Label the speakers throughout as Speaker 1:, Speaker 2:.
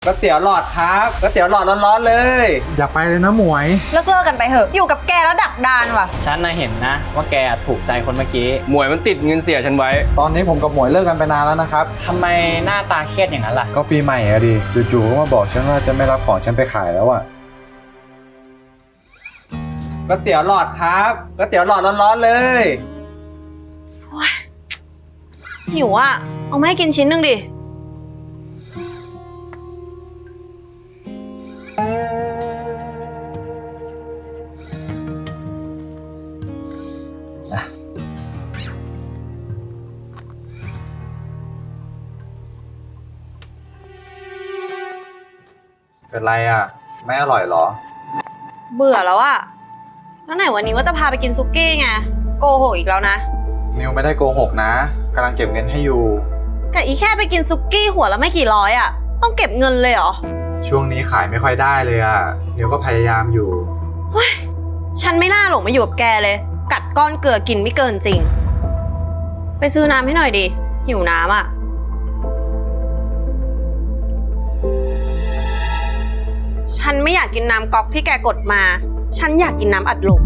Speaker 1: ก๋วยเตี๋ยวหลอดครับก๋วยเตี๋ยวหลอดร้อนๆเลย
Speaker 2: อย่าไปเลยนะหมวย
Speaker 3: เลิกกันไปเถอะอยู่กับแกแล้วดักดานว่ะ
Speaker 4: ฉันน่ะเห็นนะว่าแกถูกใจคนเมื่อกี้
Speaker 5: หมวยมันติดเงินเสียฉันไว้
Speaker 2: ตอนนี้ผมกับหมวยเลิกกันไปนานแล้วนะครับ
Speaker 4: ทำไมหน้าตาเครียดอย่างนั้นล่ะ
Speaker 2: ก็ปีใหม่อะดิจู่ๆก็มาบอกฉันว่าจะไม่รับของฉันไปขายแล้วอะ
Speaker 1: ก๋วยเตี๋ยวหลอดครับก๋วยเตี๋ยวหลอดร้อนๆเลย
Speaker 3: หิวอ่ะเอามาให้กินชิ้นหนึ่งดิ
Speaker 2: เป็นไรอะไม่อร่อยเหรอ
Speaker 3: เบื่อแล้วอ่ะแล้วไหนวันนี้ว่าจะพาไปกินซุกี้ไงโกหกอีกแล้วนะ
Speaker 2: นิวไม่ได้โกหกนะกำลังเก็บเงินให้อยู่
Speaker 3: แต่อีแค่ไปกินซุกี้หัวละไม่กี่ร้อยอ่ะต้องเก็บเงินเลยเหรอ
Speaker 2: ช่วงนี้ขายไม่ค่อยได้เลยอะนิวก็พยายามอยู่
Speaker 3: เฮ้ยฉันไม่น่าหลงมาอยู่กับแกเลยกัดก้อนเกลือกินไม่เกินจริงไปซื้อน้ำให้หน่อยดิหิวน้ำอ่ะฉันไม่อยากกินน้ำก๊อกที่แกกดมาฉันอยากกินน้ำอัดลม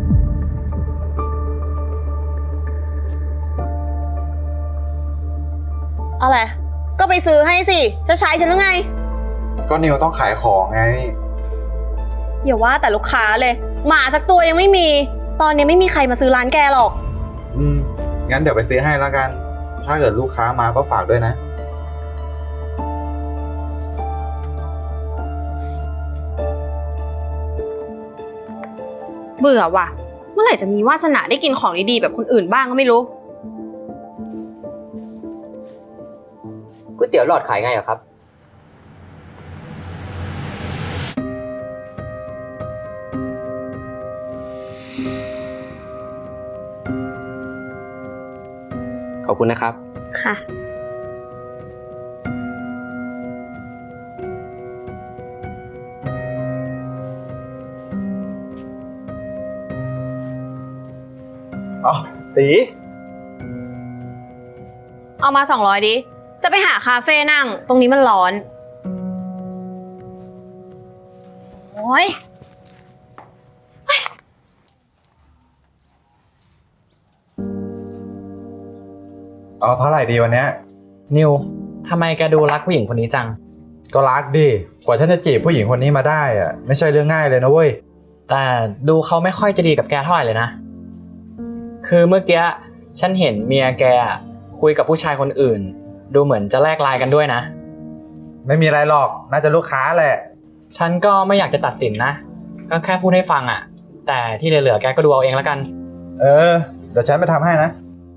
Speaker 3: อะไรก็ไปซื้อให้สิจะใช้ฉันหรือไง
Speaker 2: ก็นิวต้องขายของไง
Speaker 3: อย่าว่าแต่ลูกค้าเลยหมาสักตัวยังไม่มีตอนนี้ไม่มีใครมาซื้อร้านแกหรอก
Speaker 2: งั้นเดี๋ยวไปซื้อให้แล้วกันถ้าเกิดลูกค้ามาก็ฝากด้วยนะ
Speaker 3: เบื่อว่ะเมื่อไหร่จะมีวาสนาได้กินของดีๆแบบคนอื่นบ้างก็ไม่รู้
Speaker 4: ก๋วยเตี๋ยวหลอดขายไงอะครับขอบคุณนะครับ
Speaker 3: ค่ะ
Speaker 2: ตี
Speaker 3: เอามา200ดิจะไปหาคาเฟ่นั่งตรงนี้มันร้อนโอ้ย
Speaker 2: เอาเท่าไหร่ดีวันเนี้ย
Speaker 4: นิวทำไมแกดูรักผู้หญิงคนนี้จัง
Speaker 2: ก็รักดิกว่าฉันจะจีบผู้หญิงคนนี้มาได้อะไม่ใช่เรื่องง่ายเลยนะเว้ย
Speaker 4: แต่ดูเขาไม่ค่อยจะดีกับแกเท่าไหร่เลยนะคือเมื่อกี้ฉันเห็นเมียแกคุยกับผู้ชายคนอื่นดูเหมือนจะแลกไลน์กันด้วยนะ
Speaker 2: ไม่มีอะไรหรอกน่าจะลูกค้าแหละ
Speaker 4: ฉันก็ไม่อยากจะตัดสินนะก็แค่พูดให้ฟังอะแต่ที่เหลือๆแกก็ดูเอาเองแล้วกัน
Speaker 2: เดี๋ยวฉันไปทำให้นะ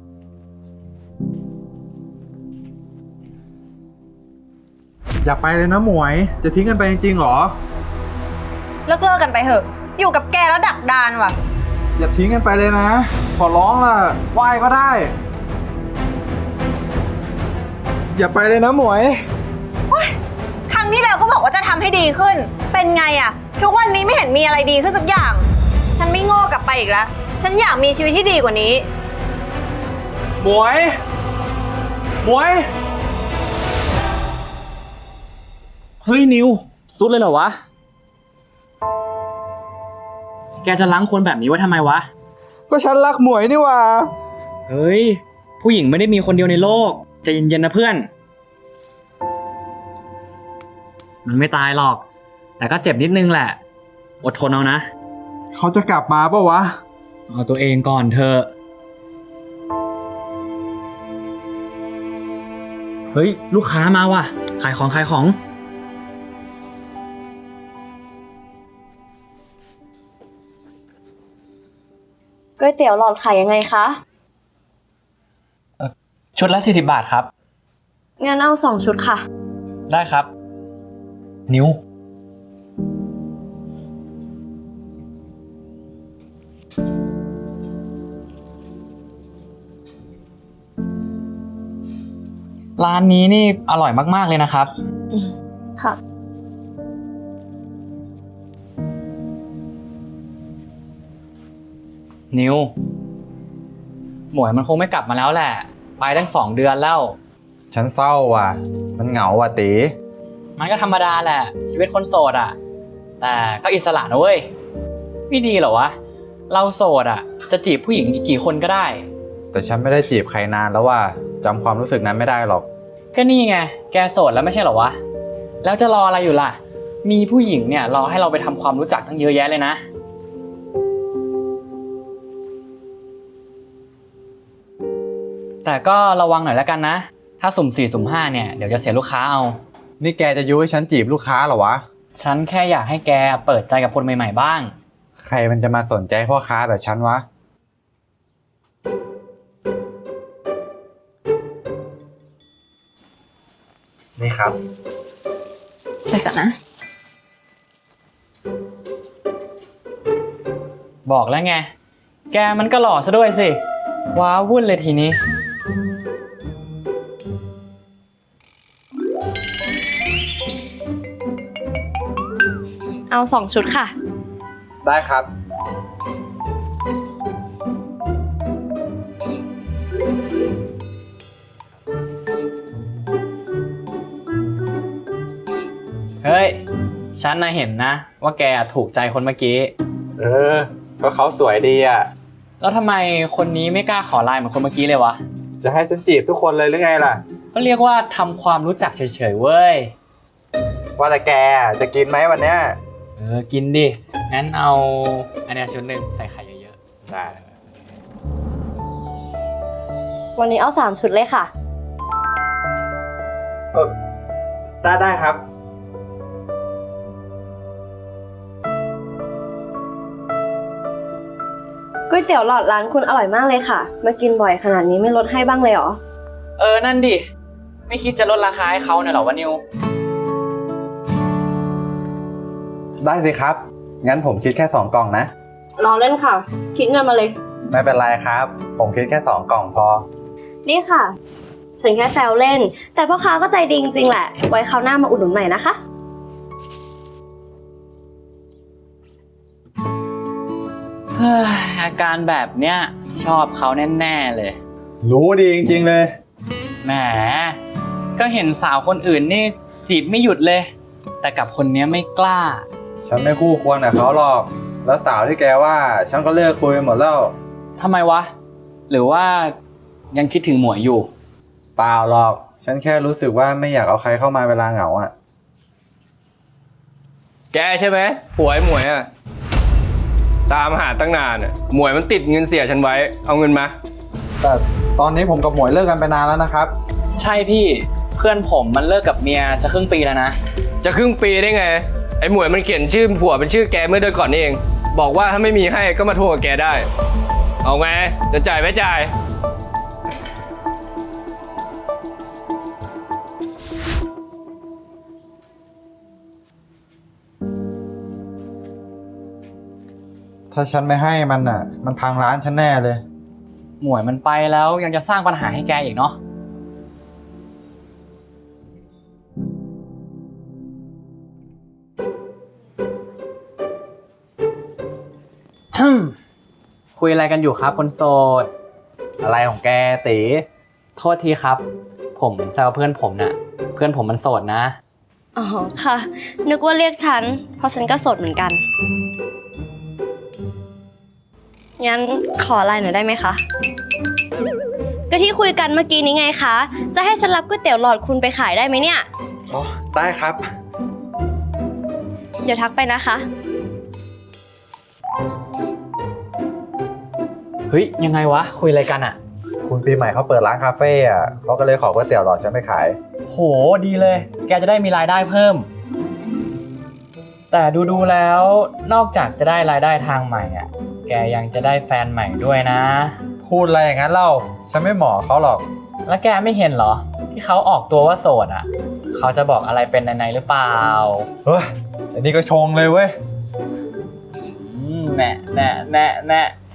Speaker 2: อย่าไปเลยนะหมวยจะทิ้งกันไปจริงๆหรอ
Speaker 3: เลิกกันไปเถอะอยู่กับแกแล้วดักดานว่ะ
Speaker 2: อย่าทิ้งกันไปเลยนะขอร้องล่ะไหว้ก็ได้อย่าไปเลยนะหมวย
Speaker 3: ครั้งที่แล้วก็บอกว่าจะทำให้ดีขึ้นเป็นไงอะทุกวันนี้ไม่เห็นมีอะไรดีขึ้นสักอย่างฉันไม่โง่กลับไปอีกแล้วฉันอยากมีชีวิตที่ดีกว่านี้
Speaker 2: หมวย
Speaker 4: เฮ้ยนิวสุดเลยเหรอวะแกจะล้างคนแบบนี้ไว้ทำไมวะ
Speaker 2: ก็ฉันรักหมวยนี่หว่า
Speaker 4: เฮ้ยผู้หญิงไม่ได้มีคนเดียวในโลกใจเย็นๆนะเพื่อนมันไม่ตายหรอกแต่ก็เจ็บนิดนึงแหละอดทนเอานะ
Speaker 2: เขาจะกลับมาปะวะ
Speaker 4: เอาตัวเองก่อนเถอะเฮ้ยลูกค้ามาว่ะขายของ
Speaker 6: ก๋วยเตี๋ยวหลอดขายยังไงคะ
Speaker 4: ชุดละ40 บาทครับ
Speaker 6: งั้นเอา2 ชุดค่ะ
Speaker 4: ได้ครับนิ้วร้านนี้นี่อร่อยมากๆเลยนะครับ
Speaker 6: ค่ะ
Speaker 4: นิวหมวยมันคงไม่กลับมาแล้วแหละไปตั้ง2 เดือนแล้ว
Speaker 2: ฉันเศร้าว่ะมันเหงาว่ะตี
Speaker 4: มันก็ธรรมดาแหละชีวิตคนโสดอ่ะแต่ก็อิสระนะเว้ยไม่ดีเหรอวะเราโสดอ่ะจะจีบผู้หญิงอีกกี่คนก็ได้
Speaker 2: แต่ฉันไม่ได้จีบใครนานแล้วว่าจำความรู้สึกนั้นไม่ได้หรอก
Speaker 4: ก็นี่ไงแกโสดแล้วไม่ใช่เหรอวะแล้วจะรออะไรอยู่ล่ะมีผู้หญิงเนี่ยรอให้เราไปทำความรู้จักตั้งเยอะแยะเลยนะแต่ก็ระวังหน่อยแล้วกันนะถ้าสุ่ม4สุ่ม5เนี่ยเดี๋ยวจะเสียลูกค้าเอา
Speaker 2: นี่แกจะยุให้ฉันจีบลูกค้าเหรอวะ
Speaker 4: ฉันแค่อยากให้แกเปิดใจกับคนใหม่ๆบ้าง
Speaker 2: ใครมันจะมาสนใจพ่อค้าแบบฉันวะ นี่ครับ
Speaker 3: ไปก่อนนะ
Speaker 4: บอกแล้วไงแกมันก็หล่อซะด้วยสิว้าวุ่นเลยทีนี้
Speaker 6: เอา2 ชุดค่ะ
Speaker 1: ได้ครับ
Speaker 4: เฮ้ยฉันน่ะเห็นนะว่าแกถูกใจคนเมื่อกี้
Speaker 2: ก็เขาสวยดีอ่ะ
Speaker 4: แล้วทำไมคนนี้ไม่กล้าขอไลน์เหมือนคนเมื่อกี้เลยวะ
Speaker 2: จะให้ฉันจีบทุกคนเลยหรือไงล่ะ
Speaker 4: ก็เรียกว่าทำความรู้จักเฉยๆเว้ย
Speaker 2: ว่าแต่แกจะกินไหมวันเนี้ย
Speaker 4: กินดิงั้นเอาอันเนี้ยชุดหนึ่งใส่ไข่เยอะ
Speaker 2: ได้
Speaker 6: วันนี้เอา 3 ชุดเลยค่ะ
Speaker 2: ได้ครับ
Speaker 6: ก๋วยเตี๋ยวหลอดร้านคุณอร่อยมากเลยค่ะ มากินบ่อยขนาดนี้ไม่ลดให้บ้างเลยเหรอ
Speaker 4: ๆนั่นดิไม่คิดจะลดราคาให้เขาเนี่ยหรอวะนิว
Speaker 2: ได้สิครับ งั้นผมคิดแค่2กล่องนะ
Speaker 6: รอเล่นค่ะ คิดเงินมาเลย
Speaker 2: ไม่เป็นไรครับ ผมคิดแค่2กล่องพอ
Speaker 6: นี่ค่ะฉันแค่แซวเล่น แต่พ่อค้าก็ใจดีจริงๆแหละ ไว้คราวหน้ามาอุดหนุนใหม่นะคะ
Speaker 4: เฮ้ยอาการแบบเนี้ยชอบเขาแน่ๆเลย
Speaker 2: รู้ดีจริงๆเลย
Speaker 4: แหมก็เห็นสาวคนอื่นนี่จีบไม่หยุดเลย แต่กับคนเนี้ยไม่กล้า
Speaker 2: ฉันไม่คู่ควรกับเขาหรอก แล้วสาวที่แกว่าฉันก็เลิกคุยหมดแล้ว
Speaker 4: ทำไมวะ หรือว่ายังคิดถึงหมวยอยู่
Speaker 2: เปล่าหรอก ฉันแค่รู้สึกว่าไม่อยากเอาใครเข้ามาเวลาเหงาอ่ะ
Speaker 5: แกใช่ไหมผัวไอ้หมวยอะตามหาตั้งนานอะหมวยมันติดเงินเสียฉันไว้เอาเงินมา
Speaker 2: แต่ตอนนี้ผมกับหมวยเลิกกันไปนานแล้วนะครับ
Speaker 4: ใช่พี่เพื่อนผมมันเลิกกับเมียจะครึ่งปีแล้วนะ
Speaker 5: จะครึ่งปีได้ไงไอ้หมวยมันเขียนชื่อผัวเป็นชื่อแกเมื่อเดือนก่อนนี่เอง บอกว่าถ้าไม่มีให้ก็มาโทรกับแกได้ เอาไงจะจ่ายไม่จ่าย
Speaker 2: ถ้าฉันไม่ให้มันอ่ะ มันพังร้านฉันแน่เลย
Speaker 4: หมวยมันไปแล้วยังจะสร้างปัญหาให้แกอีกเนาะคุยอะไรกันอยู่ครับคนโสด
Speaker 2: อะไรของแกตี
Speaker 4: โทษทีครับ ผมแซวเพื่อนผมน่ะ เพื่อนผมมันโสดนะ
Speaker 6: อ๋อค่ะ นึกว่าเรียกฉัน เพราะฉันก็โสดเหมือนกัน งั้นขอไลน์หน่อยได้ไหมคะ ก็ที่คุยกันเมื่อกี้นี้ไงคะ จะให้ฉันรับก๋วยเตี๋ยวหลอดคุณไปขายได้ไหมเนี่ย
Speaker 2: อ๋อ ได้ครับ
Speaker 6: เดี๋ยวทักไปนะคะ
Speaker 4: เฮ้ยยังไงวะคุยอะไรกันอ่ะ
Speaker 2: คุณปีใหม่เขาเปิดร้านคาเฟ่อ่ะเขาก็เลยขอก๋วยเตี๋ยวหลอดฉันไปขาย
Speaker 4: โหดีเลย แกจะได้มีรายได้เพิ่ม แต่ดูแล้วนอกจากจะได้รายได้ทางใหม่อ่ะ แกยังจะได้แฟนใหม่ด้วยนะ
Speaker 2: พูดอะไรอย่างนั้นเล่า ฉันไม่เหมาะเขาหรอก
Speaker 4: แล้วแกไม่เห็นเหรอ ที่เขาออกตัวว่าโสดอ่ะ เขาจะบอกอะไรเป็นในหรือเปล่า
Speaker 2: เฮ้ยอันนี้ก็ชงเลยเว้ย
Speaker 4: แน่แน่แน่แน่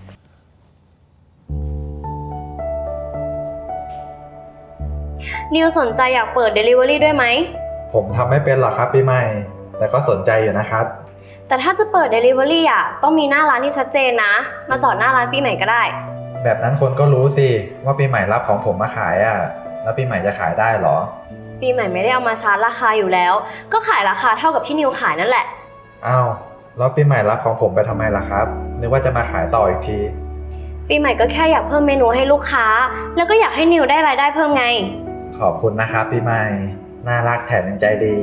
Speaker 6: นิวสนใจอยากเปิด Delivery ด้วยไหม
Speaker 2: ผมทำไม่เป็นหรอกครับปีใหม่ แต่ก็สนใจอยู่นะครับ
Speaker 6: แต่ถ้าจะเปิด Delivery อ่ะ ต้องมีหน้าร้านที่ชัดเจนนะ มาจอดหน้าร้านปีใหม่ก็ได้
Speaker 2: แบบนั้นคนก็รู้สิว่าปีใหม่รับของผมมาขายอ่ะ แล้วปีใหม่จะขายได้เหรอ
Speaker 6: ปีปีใหม่ไม่ได้เอามาชาร์จราคาอยู่แล้ว ก็ขายราคาเท่ากับที่นิวขายนั่นแหละ
Speaker 2: อ้าวแล้วปีใหม่รับของผมไปทำไมล่ะครับนึกว่าจะมาขายต่ออีกที
Speaker 6: ปีใหม่ก็แค่อยากเพิ่มเมนูให้ลูกค้า แล้วก็อยากให้นิวได้รายได้เพิ่มไง
Speaker 2: ขอบคุณนะครับปีใหม่น่ารักแถมยังใจดี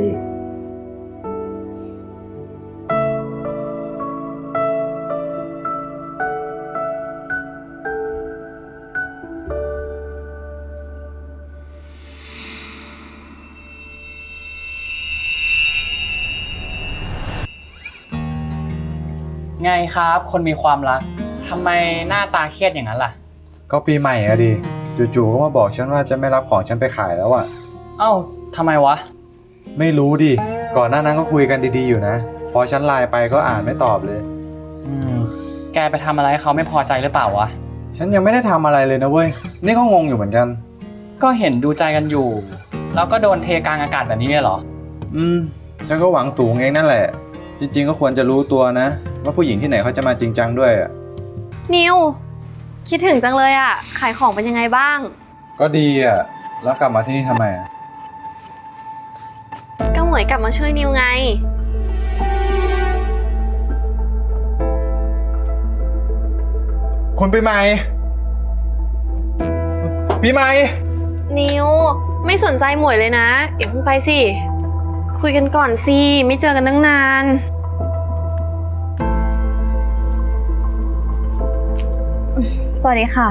Speaker 4: ไงครับ คนมีความรักทำไมหน้าตาเครียดอย่างนั้นล่ะ
Speaker 2: ก็ปีใหม่อะดิจู่ๆก็มาบอกฉันว่าจะไม่รับของฉันไปขายแล้วอะ
Speaker 4: เอ้าทำไมวะ
Speaker 2: ไม่รู้ดิก่อนหน้านั้นก็คุยกันดีๆอยู่นะพอฉันไลน์ไปก็อ่านไม่ตอบเลย
Speaker 4: แกไปทำอะไรให้เขาไม่พอใจหรือเปล่าวะ
Speaker 2: ฉันยังไม่ได้ทำอะไรเลยนะเว้ยนี่ก็งงอยู่เหมือนกัน
Speaker 4: ก็เห็นดูใจกันอยู่ แล้วก็โดนเทกลางอากาศแบบนี้เนี่ยเหรอ
Speaker 2: ฉันก็หวังสูงเองนั่นแหละจริงๆก็ควรจะรู้ตัวนะว่าผู้หญิงที่ไหนเขาจะมาจริงจังด้วยอะ
Speaker 3: นิว คิดถึงจังเลยอะขายของเป็นยังไงบ้าง
Speaker 2: ก็ดีอะแล้วกลับมาที่นี่ทำไมอะ
Speaker 3: ก็หมวยกลับมาช่วยนิวไง
Speaker 2: คุณปีใหม่ปีใหม่
Speaker 3: นิว ไม่สนใจหมวยเลยนะอย่าเพิ่งไปสิ คุยกันก่อนสิ ไม่เจอกันตั้งนาน
Speaker 6: สวัสดีค่ะ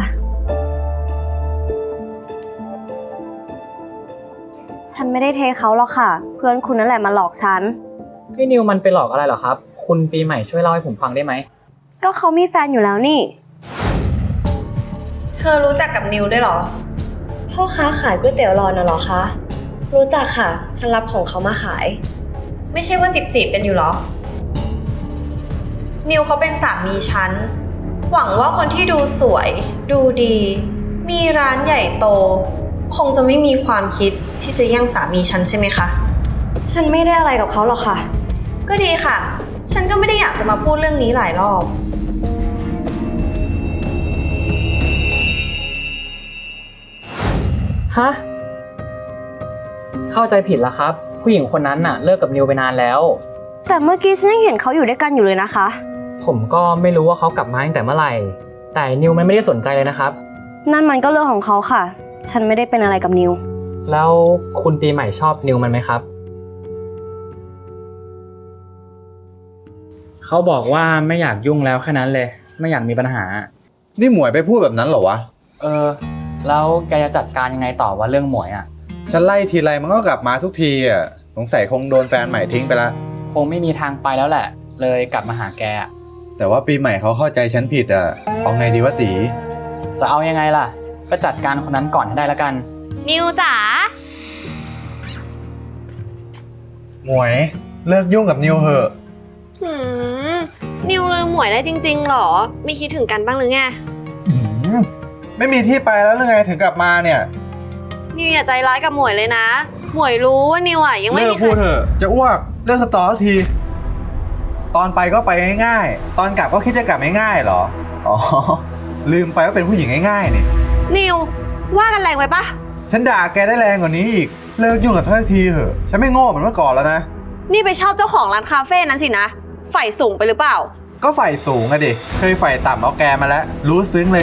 Speaker 6: ฉันไม่ได้เทเขาหรอกค่ะ เพื่อนคุณนั่นแหละมาหลอกฉัน
Speaker 4: พี่นิวมันไปหลอกอะไรเหรอครับ คุณปีใหม่ช่วยเล่าให้ผมฟังได้ไหม
Speaker 6: ก็เขามีแฟนอยู่แล้วนี่
Speaker 3: เธอรู้จักกับนิวด้วยเหรอ
Speaker 6: พ่อค้าขายก๋วยเตี๋ยวรอน่ะเหรอคะ รู้จักค่ะ ฉันรับของเขามาขาย
Speaker 3: ไม่ใช่ว่าจีบกันอยู่เหรอ นิวเขาเป็นสามีฉัน หวังว่าคนที่ดูสวย ดูดี มีร้านใหญ่โต คงจะไม่มีความคิดที่จะแย่งสามีฉันใช่ไหมคะ
Speaker 6: ฉันไม่ได้อะไรกับเขาหรอกค่ะ
Speaker 3: ก็ดีค่ะ ฉันก็ไม่ได้อยากจะมาพูดเรื่องนี้หลายรอบ
Speaker 4: ฮะ เข้าใจผิดแล้วครับ ผู้หญิงคนนั้นน่ะเลิกกับนิวไปนานแล้ว
Speaker 6: แต่เมื่อกี้ฉันยังเห็นเขาอยู่ด้วยกันอยู่เลยนะคะ
Speaker 4: ผมก็ไม่รู้ว่าเขากลับมาตั้งแต่เมื่อไหร่ แต่นิวมันไม่ได้สนใจเลยนะครับ
Speaker 6: นั่นมันก็เรื่องของเขาค่ะ ฉันไม่ได้เป็นอะไรกับนิว
Speaker 4: แล้วคุณปีใหม่ชอบนิวมันไหมครับ เขาบอกว่าไม่อยากยุ่งแล้วแค่นั้นเลย ไม่อยากมีปัญหา
Speaker 2: นี่หมวยไปพูดแบบนั้นเหรอวะ
Speaker 4: แล้วแกจะจัดการยังไงต่อว่าเรื่องหมวยอ่ะ
Speaker 2: ฉันไล่ทีไรมันก็กลับมาทุกทีอะสงสัยคงโดนแฟนใหม่ทิ้งไปละ
Speaker 4: คงไม่มีทางไปแล้วแหละ เลยกลับมาหาแกอะ
Speaker 2: แต่ว่าปีใหม่เขาเข้าใจฉันผิดอะเอาไงดีวะตี
Speaker 4: จะเอายังไงล่ะ ก็จัดการคนนั้นก่อนให้ได้แล้วกัน
Speaker 3: นิวจ๋า
Speaker 2: หมวยเลิกยุ่งกับนิวเหอะ
Speaker 3: นิวเลยหมวยได้จริงๆหรอ ไม่คิดถึงกันบ้างหรือไง
Speaker 2: ไม่มีที่ไปแล้วหรือไงถึงกลับมาเนี่ย
Speaker 3: นิวอย่าใจร้ายกับหมวยเลยนะ หมวยรู้ว่านิวอ่ะยังไม่
Speaker 2: เลิ
Speaker 3: มี
Speaker 2: ก
Speaker 3: ใคร
Speaker 2: พูดเถอะจะอ้วกเลิกสตอสักที ตอนไปก็ไปง่ายๆตอนกลับก็คิดจะกลับง่ายๆเหรออ๋อลืมไปว่าเป็นผู้หญิงง่ายๆนี่
Speaker 3: นิวว่ากันแรงไปปะ
Speaker 2: ฉันด่าแกได้แรงกว่านี้อีกเลิกยุ่งกับท่านทีเถอะฉันไม่โง่เหมือนเมื่อก่อนแล้วนะ
Speaker 3: นี่ไปชอบเจ้าของร้านคาเฟ่นั้นสินะใฝ่สูงไปหรือเปล่า
Speaker 2: ก็ฝ่ายสูงอะดิเคยฝ่ายต่ำเอาแกมาแล้วรู้ซึ้งเลย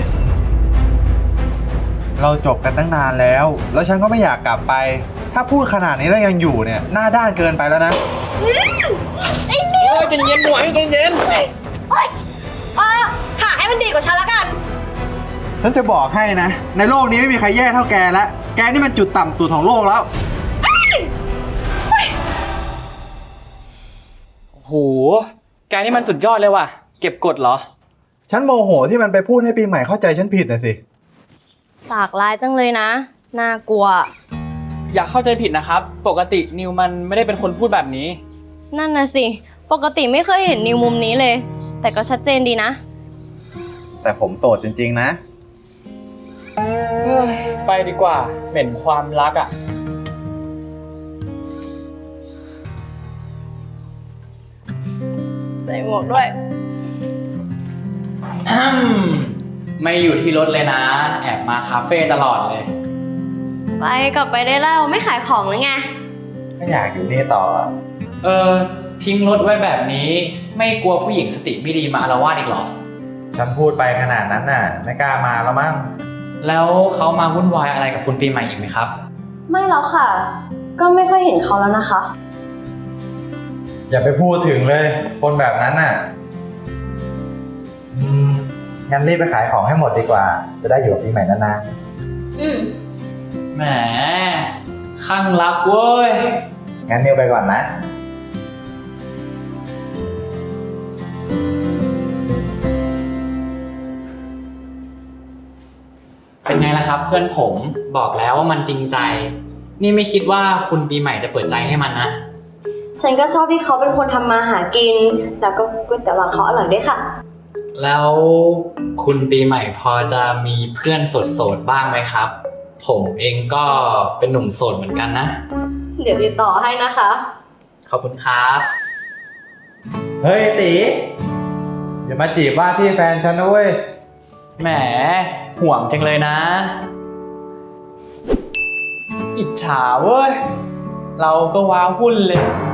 Speaker 2: เราจบกันตั้งนานแล้วฉันก็ไม่อยากกลับไป ถ้าพูดขนาดนี้แล้วยังอยู่เนี่ยหน้าด้านเกินไปแล้วนะ
Speaker 4: ใจเย็นหมวยใจเย็น
Speaker 3: หาให้มันดีกว่าฉันละกัน
Speaker 2: ฉันจะบอกให้นะในโลกนี้ไม่มีใครแย่เท่าแกแล้วแกนี่มันจุดต่ำสุดของโลกแล้ว
Speaker 4: โห แกนี่มันสุดยอดเลยว่ะ เก็บกดเหรอ
Speaker 2: ฉันโมโหที่มันไปพูดให้ปีใหม่เข้าใจฉันผิดนะสิ
Speaker 6: ปากร้ายจังเลยนะ น่ากลัว
Speaker 4: อย่าเข้าใจผิดนะครับ ปกตินิวมันไม่ได้เป็นคนพูดแบบนี้
Speaker 6: นั่นน่ะสิ ปกติไม่เคยเห็นนิวมุมนี้เลย แต่ก็ชัดเจนดีนะ
Speaker 2: แต่ผมโสดจริงๆนะ
Speaker 4: ไปดีกว่า เหม็นความรักอ่ะ
Speaker 6: ใส่หมวกด้วย
Speaker 4: ไม่อยู่ที่รถเลยนะ แอบมาคาเฟ่ตลอดเลย
Speaker 6: ไปกลับไปได้แล้วไม่ขายของหรือไง
Speaker 2: ไม่อยากอยู่นี่ต่อ
Speaker 4: ทิ้งรถไว้แบบนี้ไม่กลัวผู้หญิงสติไม่ดีมาอาละวาดอีกหรอ
Speaker 2: ฉันพูดไปขนาดนั้นน่ะ ไม่กล้ามาแล้วมั้ง
Speaker 4: แล้วเขามาวุ่นวายอะไรกับคุณปีใหม่อีกไหมครับ
Speaker 6: ไม่แล้วค่ะ ก็ไม่ค่อยเห็นเขาแล้วนะคะ
Speaker 2: อย่าไปพูดถึงเลย คนแบบนั้นน่ะงั้นรีบไปขายของให้หมดดีกว่า จะได้อยู่กับปีใหม่นาน
Speaker 6: อืม
Speaker 4: แหมข้างรักเว้ย
Speaker 2: ๆงั้นนิวไปก่อนนะ
Speaker 4: เป็นไงล่ะครับ เพื่อนผมบอกแล้วว่ามันจริงใจ นี่ไม่คิดว่าคุณปีใหม่จะเปิดใจให้มันนะ
Speaker 6: ฉันก็ชอบที่เขาเป็นคนทำมาหากิน แล้วก็ก๋วยเตี๋ยวหลอดเขาอร่อยด้วยค่ะ
Speaker 4: แล้วคุณปีใหม่พอจะมีเพื่อนโสดๆบ้างไหมครับ ผมเองก็เป็นหนุ่มโสดเหมือนกันนะ
Speaker 6: เดี๋ยวติดต่อให้นะคะ
Speaker 4: ขอบคุณครับ
Speaker 2: เฮ้ยตีอย่ามาจีบว่าที่แฟนฉันนะเว้ย
Speaker 4: แหมห่วงจังเลยนะ อิจฉาเว้ย เราก็ว้าวุ่นเลย